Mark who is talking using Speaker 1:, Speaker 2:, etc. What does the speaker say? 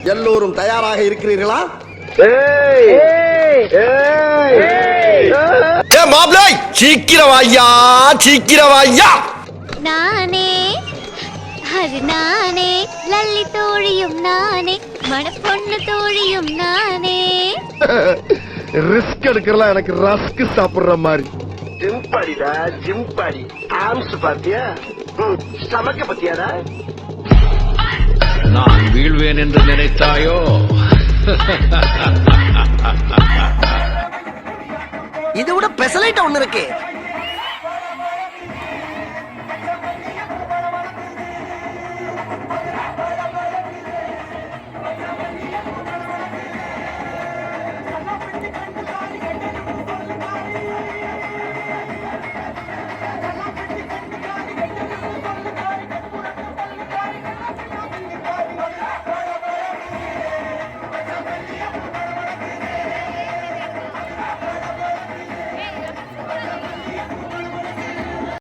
Speaker 1: எல்லோரும் தயாராக இருக்கிறீர்களா? மாப்ளை சீக்கிரம் ஐயா, சீக்கிரம் ஐயா.
Speaker 2: நானே அது நானே, லல்லி தோழியும் நானே, மணப்பொண்ணு தோழியும் நானே.
Speaker 3: ரிஸ்க் எடுக்கிறலாம் எனக்கு ரஸ்க் சாப்பிடுற மாதிரி.
Speaker 4: ஜிம்பாடிடா ஜிம்பாடி. ஆம்ஸ் பாத்தியா, சமக்க பத்தியாடா.
Speaker 5: நான் வீழ்வேன் என்று நினைத்தாயோ?
Speaker 1: இது விட பெசலைட் ஒண்ணு இருக்கு.